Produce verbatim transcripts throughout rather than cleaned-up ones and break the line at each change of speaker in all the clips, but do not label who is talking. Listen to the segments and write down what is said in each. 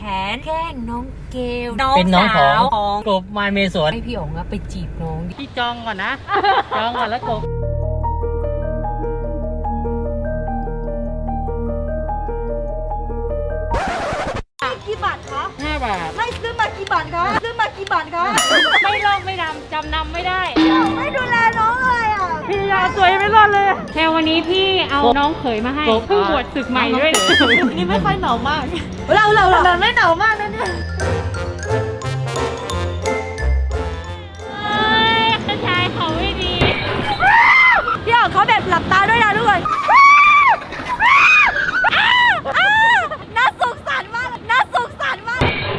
นแกล้งน้องเกลน้อง
เป็นน้องข
สา
อง
วของ
กบมาเมสวน
ให้พี่อ๋องอะไปจีบน้องดิ
พี่จองก่อนนะ จองก่อนแล้วกบ
กี่บาทคะ
ห้าบาท
ให้ซื้อมากี่บาทคะซื้อมากี่บาทคะ
ไม่ลอกไม่ดำจำนำไม่ได้
ไม่ดูแลน้องเลยอ่ะ
พี่ยาสวยไม่รอดเลย
แค่วันนี้พี่เอาน้องเขยมาให้
กบ
เพิ่งบวชศึกใหม่ด้วย
นี่ไม่ค่อยหนาวมาก เราเราเราไม่หนาวมากนะเนี่ย
เอ้ยกระชายเขาไม่ดี
พี่อ๋องเขาแบบหลับตาด้วยนะทุกคนน่าสงสารมากน่าสงสารมาก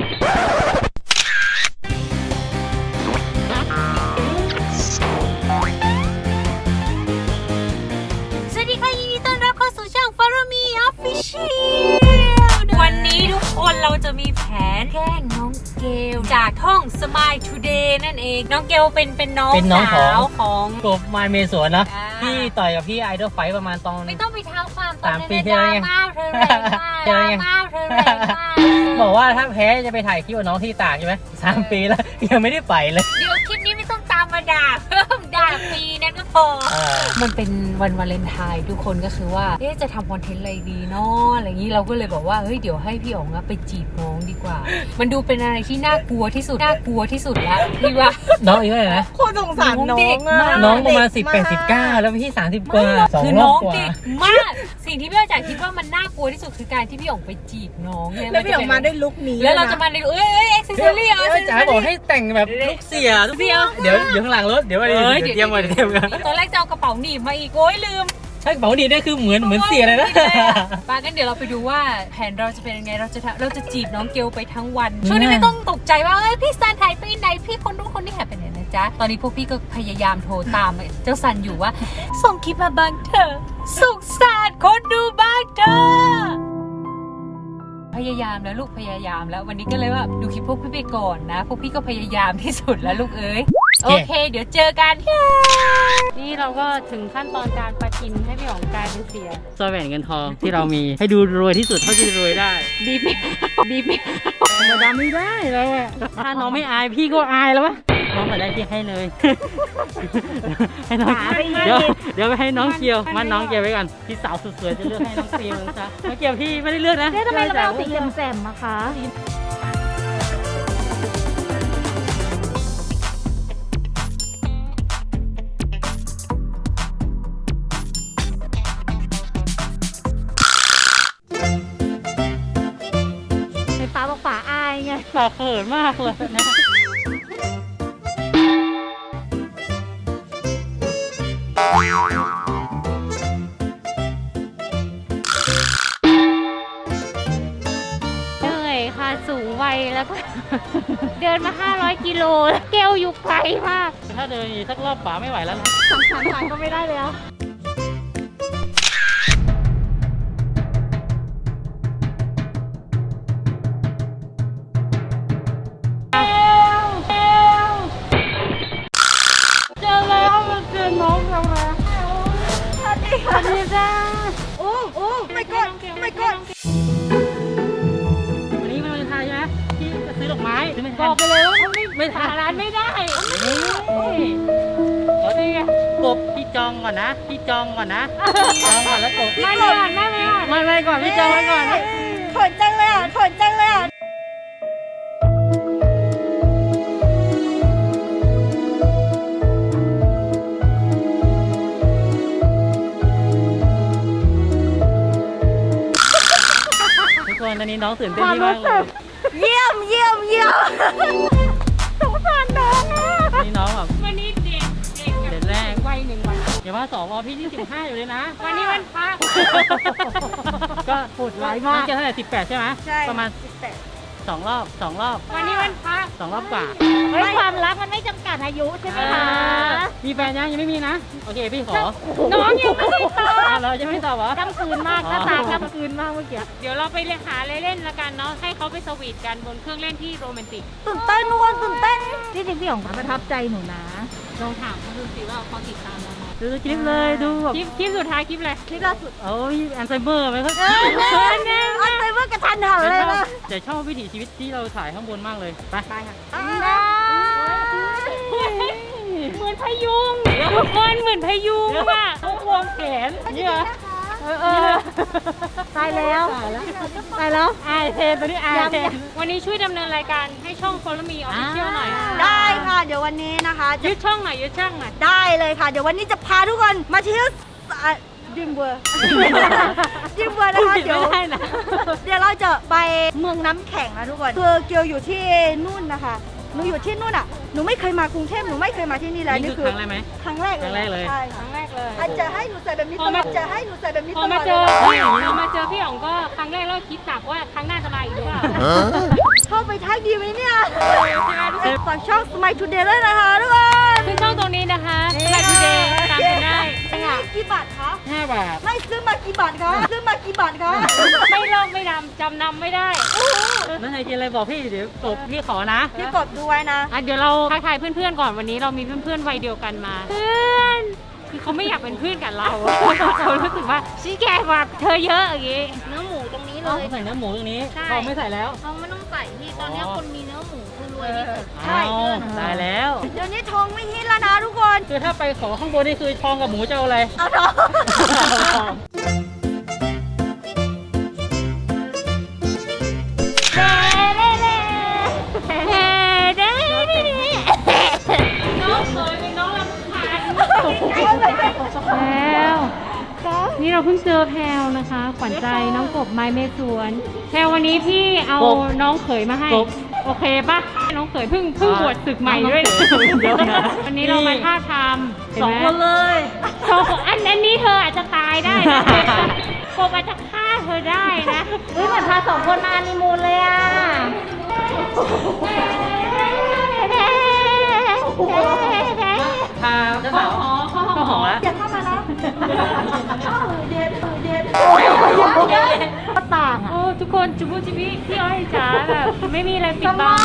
สวัสดีค่ะยินดีต้อนรับเข้าสู่ช่อง Follow Me Official วันนี้ทุกคนเราจะมีแผนแกล้งน้องเกลจากท่อง Smile Today นั่นเองน้องเกลเป็นเป็นน้อง
เป็นน้อง
สาว
ข
ข
อ
อง ง
กบมาเมสวนนะ
อ่า
พี่ต่อยกับพี่ไอดอลไฟประมาณตอน
ไม่ต้องไปเท้าความตอน
สาม
นั้น
ปี
นะ
ที่แล้วไง
ดราม่าเธอแรงมาก
เจ
ด
อ
รา
ไง
ม่าเธอแรงมาก
บอกว่าถ้าแพ้จะไปถ่ายคลิปกับน้องที่ตากใช่ไหมสามปีแล้ว ยังไม่ได้ไปเลย
เดี๋ยวคลิปนี้ไม่ต้องตามมาด่าเพิ่มด่าปีนั้นก็พอ
เออ
มันเป็นวันวาเลนไทน์ทุกคนก็คือว่าเอ๊ะจะทำคอนเทนต์อะไรดีเนาะอะไรอย่างนี้เราก็เลยบอกว่าเฮ้ยเดี๋ยวให้พี่อ๋องอะไปจีบน้องดีกว่า มันดูเป็นอะไรที่น่ากลัวที่สุดน่ากลัวที่สุดละพี่ว่า
น้องอายุเท่าไหร่นะ
โคตรสงสารน้อง
เด็ก
อ่ะ
มาก
น้องประมาณสิบแปดสิบเก้าแล้วพี่สามสิบกว่าสอง
คือ
รอ
น้
บ
อง
กว่า
เด็กมาก สิ่งที่พี่อาจารย์คิดว่ามันน่ากลัวที่สุดคือการที่พี่อ๋องไปจีบน้องเนี่ย
แล้วพี่อ๋องมาด้วยลุคนี้
แล้วเราจะมาในเอ้ยเอ้ยเอ็กซ์เซอรี่เอา
เดี๋ยวจ๋าบอกให้แต่งแบบลูกเสียลูกเสียเดี๋ยวเดี๋ยวข้างหลังรถเดี๋ยวมาเดี๋ยวเตรียมมาเดี๋ยวเตรียมกัน
ตอนแรกจะเอากระเป๋าหนีบมาอีกโอ้ยลืม
ถ้ากระเป๋าดีได้คือเหมือนเหมือนเสียเลยนะ
ปากันเดี๋ยวเราไปดูว่าแผนเราจะเป็นยังไงเราจะทำเราจะจีบน้องเกลไปทั้งวันช่วงนี้ไม่ต้องตกใจว่าเอ้ยพี่ซันหายไปไหนพี่คนนู้นคนนี้หายไปไหนนะจ๊ะตอนนี้พวกพี่ก็พยายามโทรตามเจ้าซันอยู่ว่าส่งคลิปมาบ้างเถอะสุขสันต์คนดูบ้างเถอะพยายามแล้วลูกพยายามแล้ววันนี้ก็เลยว่าดูคลิปพวกพี่ไปก่อนนะพวกพี่ก็พยายามที่สุดแล้วลูกเอ้ยโอเค เดี๋ยวเจอกัน
นี่เราก็ถึงขั้นตอนการประชินให้พี่อ๋องกลายเป็นเสีย
สร้อยแหวนเงินทองที่เรามีให้ดูรวยที่สุดเท่าที่จะรวยได้
บีบไม่บีบไม่
ธรรมดาไม่ได้แล้วอะถ้าน้องไม่อายพี่ก็อายแล้ววะน้องมาได้พี่ให้เลย ให้น้องเดี๋ยวเดี๋ยวไปให้น้องเกียวมันน้องเกียวไว้ก่อนพี่สาวสุดสวยจะเลือกให้น้องเกียวนะจ๊ะน้องเกียวพี่ไม่ได้เลือกนะ
เอ๊ะทำไมเราไม่เอาสีแจ่มๆมาคะ ไฟฟ้าบอกฝาอายไง
ปากเขินมากเลยนะ
เหนื่อยค่ะสูงวัยแล้วก็ เดินมาห้าร้อยกิโลแล้วเกลอยู่ไกลมาก
ถ้าเดินอีกสักรอบป่าไม่ไหวแล้วนะ
สำคัญทางก็ไม่ได้แล้ว
เจอแล้วมันเจอน้องเราแล้ว
สวัสดีค่ะ
ดีจ้า
โอ้โอ้ไม่กดไม่กด
วันนี้มันวันไทยใช่ไหมพี่จะซื้อดอกไม้ซื้อไม่
บ
ทั
อน กไปเลยว่าไม่
ไม่ทั
หาน ร้านไม่ได้
ขอดีไงกบพี่จองก่อนนะพี่จองก่อนนะจองก่อนแล้วกบ
ไม่ไม่ไม่ไม่
ไม่ไม่ก่อนพี่จองไว้ก่อน
ขนจังเลยอ่ะขนจังเลยอ่ะ
ทุกคนตอนนี้น้องตื่นเต้นที่มากเลย
เยี่ยมเยี่ยมเยี่ยมสงสารน้องอ่ะ
ตอนนี้น้องแบบ
วันนี้เด็กเด็ก
เด็ดแรก
วัยหนึ่งวัน
อย่าว่าสองรอพี่ที่สิบห้าอยู่เลยนะ
วันนี้วันพระ
ก็พูดไว้มากจะเท่าไหร่สิบแปดใช่ไหม
ใช่
ประมาณ
สิบแปด
สองรอบสองรอบ
วันนี้วันพระ
สองรอบกว่า
เฮ้ยความรักมันไม่จำกัดอายุใช่ไหมคะ
มีแฟนยังยังไม่มีนะ โอเคพี่ขอ
น้องยังไม่ได้ตอบ
อ้าวเราจะไม่ตอบเหรอ
กำคืนมากหน้าตากำคืนมากเมื่อกี้
เดี๋ยวเราไปเล่นหาอะไรเล่นละกันเนาะให้เขาไปสวีทกันบนเครื่องเล่นที่โรแมนติก
ตื่นเต้นทุกคนตื่นเต้น
ที่จริงพี่อ๋องประทับใจหนูนะ
ลองถามเขาดูสิว่าเขาติดตามเราไหม
ดูคลิปเลยดูแบบ
คลิปคลิปสุดท้ายคลิปอะไร
คลิปล่าสุด
โอ้ยแอนไซเมอร์ไหมครับ
เออเนี่ยอันไซเมอร์กระทันหันเลยนะ
แต่ชอบวิถีชีวิตที่เราถ่ายข้างบนมากเลยไปไปค่ะ
เหมือนพยุงทุกคนเหมือนพยุงอ่ะ
เขาควงแขนนี่เหรอ
เออเออตายแล้วตายแล้ว
อายเทนตัวนี้อายเทน
วันนี้ช่วยดำเนินรายการให้ช่อง Follow Me Official หน่อย
ได้ค่ะ เดี๋ยววันนี้นะคะจะ
ยึดช่องหน่อยยึดช่องหน่อย
ได้เลยค่ะ เดี๋ยววันนี้จะพาทุกคนมาเที่ยวอ่ะดิมเวอร์ดิมเวอร์นะคะเดี๋ยวเดี๋ยวเราจะไปเมืองน้ำแข็งนะทุกคนคือเกียวอยู่ที่นู่นนะคะหนูอยู่ที่นู่นอ่ะหนูไม่เคยมากรุงเทพหนูไม่เคยมาที่นี่เลย
นี่
นี่
คือครั้งแรกไหม
ครั้งแรกเลย
ครั้งแรกเลย
ใช่
ค
ค่ะ
รั้งแรกเลย
อาจจะให้หนูใส่แบบนี้ตลอดจะให้หนูใส่แบบนี้
พ
ต
อ
ล
มา
อด
เจอ
เลย
พี่อ๋องพอมาเจอพี่อ๋องก็ครั้งแรกเราคิดตักว่าครั้งหน้าจะมาอีกหรือเปล่า
เข้าไปทักดีไหมเนี่ยฝากช่อง Smile Today ด้วยนะคะทุกคน
ขึ้นช่องตรงนี้นะคะมาทูเดย์ตามกันได้
กี่บาทคะ
ห้าบาท
ไม่ซื้อมากี่บาทคะซื้อมากี่บาทคะ
ไม่ลอกไม่ดำจำนำไม่ได้
นั่นไงกินอะไรบอกพี่เดี๋ยวตบพี่ขอนะ
พี่กดดูไว้นะ
อ่ะเดี๋ยวเราทักทายเพื่อนๆก่อนวันนี้เรามีเพื่อนๆวัยเดียวกันมา เพื่อนคือเขาไม่อยากเป็นเพื่อนกับเราอะเขารู้สึกว่าชี้แกกว่าเธอเยอะอย่างงี้
เนื้อหมูตรงนี้เล
เอา
ย
ใส่เนื้อหมูตรงนี้
ใช่
ทองไม่ใส่แล้ว
เขาไม่ต้องใส่พี่ตอนเนี้ยคนมีเนื้อหมูคือรวยที่สุด
ใช่
เอาได้แล้ว
เดี๋ยวนี้ทองไม่ฮิตแล้วนะทุกคน
คือถ้าไปขอข้างบนนี่คือทองกับหมูจะเอาอะไร
เอาทอง
น้องเคยเป็นน้องลำคาญแล้วนี่เราเพิ่งเจอแพลวนะคะ ขวัญใจน้องกบไม้เมสวนแพลววันนี้พี่เอาน้องเขยมาให้
กบ
โอเคปะน้องเขยเพิ่งเพิ่งบวชศึกใหม่ด้วยนะ
เดี๋ยวนะ
วันนี้เรามาท่าทำเห็น
สอง
ไหม
คนเลย
สองคนอันอันนี้เธออาจจะตายได้นะกบอาจจะฆ่าเธอได้นะ
เฮ้ยเหมือนพาสองคนมาอันนีมูนเลยอ่ะ
พาเจ้าสาวเข้าหอแล้ว
อย่าเข้ามานะเด็ดเด็ด
ก็ต่างอ่ะ
โอ้ทุกคนจุบุจิบิพี่อ้อยจ๋าแบบไม่มีอะไรปิดบัง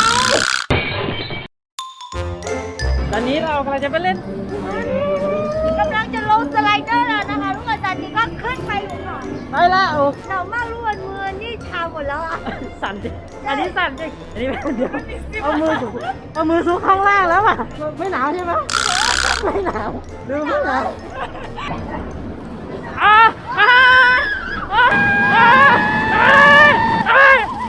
ตอนนี้เรากำลังจะไปเล่น
กำลังจะลงสไลเดอร์แล้วนะคะทุกคนตอนนี้ก็ขึ้นไปอยู่ค่ะ
ไปแล้ว
หนาวมากทุกคนมือนี่ชาหมดแล้วอ่ะ
สั่นจริงอันนี้สั่นจริงอันนี้เดี๋ยวเอามือถูเอามือซุกข้างล่างแล้วอ่ะไม่หนาวใช่ไหมไม่หนาวดูไม่หนาวอ่าอ่าอ่าอ่าอ่า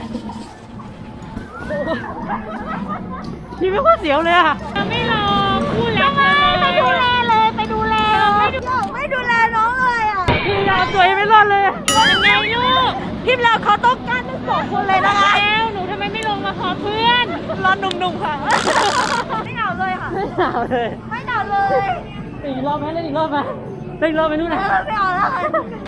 พี่ไม่ค่อยเสียวเลยอ่ะ
เราไม่รอพูดแล้วเลย
ไปดูแลเลยไปดูแลไม่ดูไม่ดูแลน้องเลยอ่ะ
พี่ยาวตัวยังไม่รอดเลย
ยังไงลูก
ทีมเราเขาต้องการทั้งสองคนเลยนะคะ
แล้วหนูทำไมไม่ลงมาขอเพื่อน
รอหนุ่มๆค่ะไม่หนาวเลยค่ะ
ไม่หนาวเลย
ไม่หนาวเลย
อีกรอบไหมเล่นอีกรอบไหมเล่นอีกรอบไหมนู่น
เอ
นะ
อไม่เอาแล้วค่ะ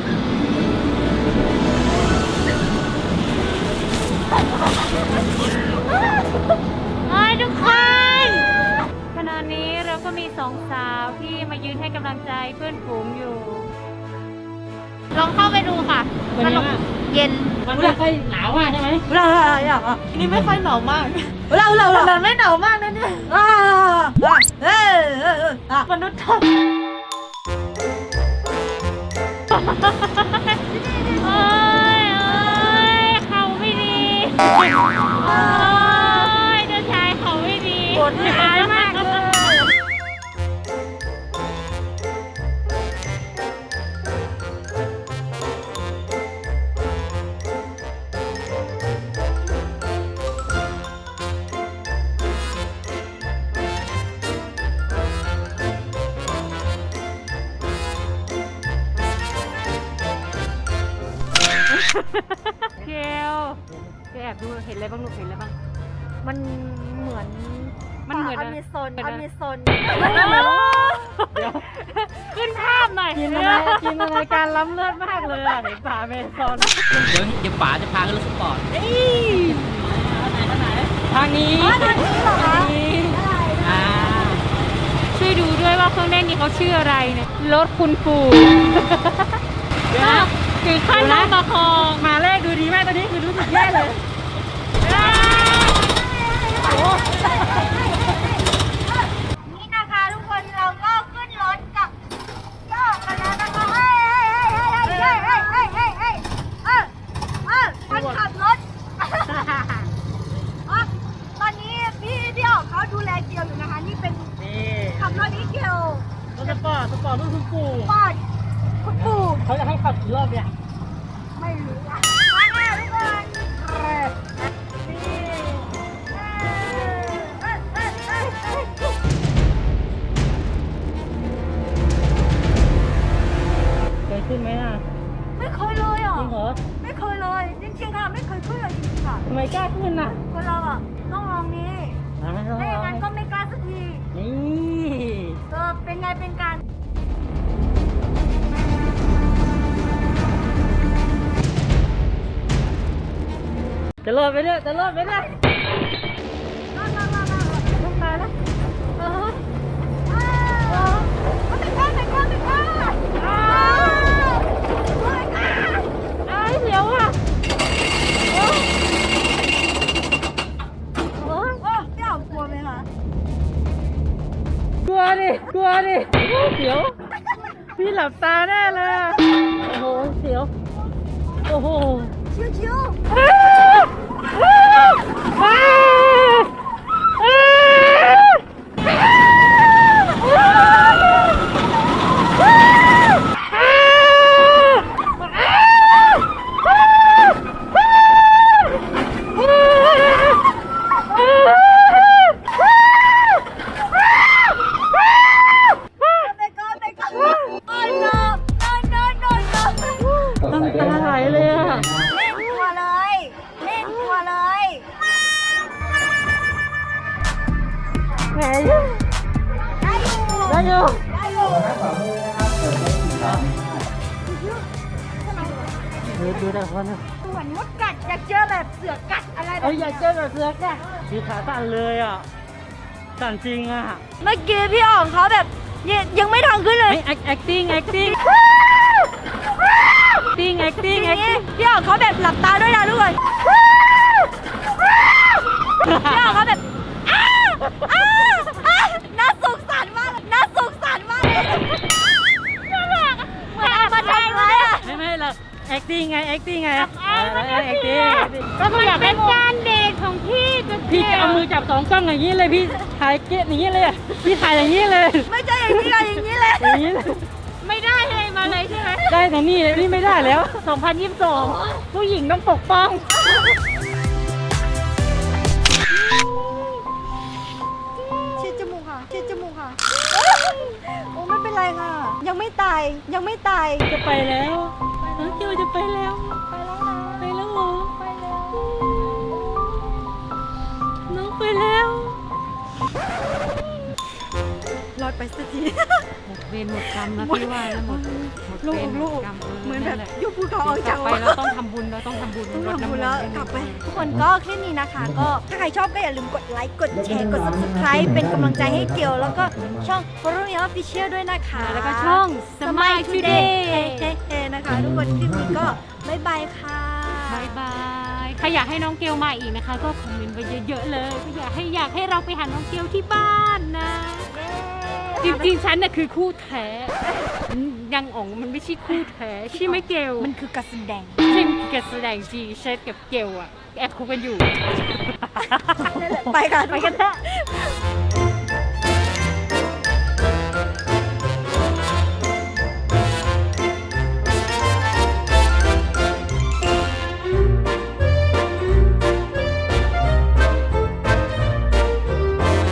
เอ้ยทุกคนขณะนี้เราก็มีสองสาวที่มายืนให้กำลังใจเพื่อนฝูงอยู่ ลองเข้าไปดูค่ะ
เป็นยังไงบ้าง
เย็น
มันไม่ค่อยหนาวมากใช่ไหม
เราอยากอ่ะนี่ไม่ค่อยหนาวมากเราเราเราไม่หนาวมากนะเนี่ยอ่าเออเอออ่ะมนุษย์ท
โอ้ยโอ้ยเขาไม่ดีโอ้ยเจ้าชายเขาไม่ดี
ำปวดท้ายมากเลย
เกลเกลแอบดูเห็นอะไรบ้างลูกเห็นอะไรบ้าง
มันเหมือน
มันเหมือน
อ
อะไร
เมซอน
เหมือน
อ
อะไร
เมซอน
ขึ้นภาพหน่อย
กินอะไรกินอะไรการล้ำเลิศมากเลยอ่ะเห็นป่าเมซอนเดี๋ยวเดี๋ยวป๋าจะพาขึ้นรถสปอร์ตทางนี้
อ๋อทางนี้เหรอคะ
อ่า
ช่วยดูด้วยว่าเครื่องเล่นนี้เขาชื่ออะไรเนี่ยรถคุณปู่
เดี๋ยวนะ
ถึงขั้นต้องประคอง
มาแรกดูดีมากตอนนี้คือรู้สึกแย่เลย
นี่นะคะทุกคนเราก็ขึ้นรถกับยวอยู่นะคะ นี่เป็น
นี่
ขับรถอีเกียว
รถสปอร์ตสปอร์ตรุ่นคุณปู่
ปอดคุณปู่
เขาจะให้ขับกี่รอบเนี่ย
ไม่รู้อ่ะมาแน่ทุกคนเออนี่เออเอ้ยเอ้ยเอ้ยเอ้ย
เคยขึ้นไหมน่ะ
ไม่เคยเลยอ่ะ
จริงเหรอ
ไม่เคยเลยจริงๆค่ะไม่เคยขึ้นเลยจริงๆค่ะ
ทำไมกล้าขึ้นน่ะ
คนเราอ่ะต้องลองนี้
อ่ะไม่ต้อง
ไม่อย่างนั้น
ล
ก็
อง
ไม่กล้าสักที
นี่
เออเป็นไงเป็นการ
จะรอดไปเนี่ยจะรอดไปเนี่ย
รอดรอดรอดรอดลงไปแล้วเออเออไม่กล้าไม่กล้าไม่กล้าอ้าวไม่กล้าอ้าวเดี๋ยวอ่ะโอ้โอ้โอ้พี่อ๋อมกลัวไหมคะ
กลัวดิกลัวดิเสียวพี่หลับตาแน่เลยอะโอ้โหเสียวโอ้โห
ชิวชิว ไปก่อนไปก่อนโอ้ย no no no no no
น้ำตาไหลเลยอะ
เล่นกลัวเลยเล่นกลัวเลย
แหม
ได้อยู่
ได้อยู่
ได้อยู่
ดูดูแต่คนนะ
เหมือนมดกัดอยากเจอแบบเสือกัดอะไรแบบ
เอ้ยอยากเจอแบบเสือกอะคือขาสั่นเลยอ่ะสั่นจริงอ่ะ
เมื่อกี้พี่อ๋องเขาแบบยังยังไม่ทางขึ้นเลย
ไอ้ acting acting acting acting
อย่างนี้
acting
พี่อ๋องเขาแบบหลับตาด้วยนะทุกคนพี่อ๋องเขาแบบอ้าอ้าอ้าน่าสงสารมากเลยน่าสงสารมากเลยน่ารักอะเหมือนเอามาทำเลยอะ
ไม่ไม่เรา acting ไง acting ไงเออแล้ว acting acting
ก็คืออยากเป็นการเดทของพี่กับ
พี่จะเอามือจับสองกล้องอย่างนี้เลยพี่ถ่ายเกตอย่างนี้เลยอะพี่ถ่ายอย่างนี้เลย
ไม่ใช่อย่างนี้เลยอย่างนี้เลย
อย่างนี้เลย
ไม่ได้เลยมาเลยใช่ไหม
ได้แต่นี่นี่ไม่ได้แล้วสองพันยี่สิบสองผู้หญิงต้องปกป้อง
เช็ดจมูกค่ะเช็ดจมูกค่ะโอ้ไม่เป็นไรค่ะ ยังไม่ตายยังไม่ตาย
จะไปแล้วน้องคิวจะไปแล้ว
ไปแล้วนะ
ไปแล้วเหรอ
ไปแล้ว
น้องไปแล้ว
รอดไปสักที
หมดเวรหมดกรรมนะพี่ว่านะหมดหมด
ลู
เว
ก
รหม
ลู
ด
ก
กรรม
เหมือนแบบ
แหละ
ยุบภูเขาออก
กลั
จาก
บไปเราต้องทำบุญเราต้องทำบุญ
ต้อง
รด
ทำ
น้ำ
บุ
ม
ญ
น
แล้ว
ต์
กลับไป ทุกคนก็คลิปนี้นะคะ ก็ถ้าใครชอบก็อย่าลืมกดไลค์กดแชร์กด subscribe เป็นกำลังใจให้เกียวแล้วก็ช่อง Follow Me Official ด้วยนะคะ
แล้วก็ช่อง Smile Today
เฮ้ๆนะคะ ทุกคนคลิปนี้ก็บ๊ายบายค่ะ
บายบายใครอยากให้น้องเกลมาอีกนะคะ ก็คอมเมนต์ไปเยอะๆเลยก็อยากให้อยากให้เราไปหาน้องเกลที่บ้านนะ จริงๆ ฉันน่ะคือคู่แท้ยังอ๋องมันไม่ใช่คู่แท้ใช่ไหมเกล
มันคือการแสดง
เช่นการแสดงจีเชฟกับเกลอะแอบคุกกันอยู่
ไปค่ะไปกันเถอะ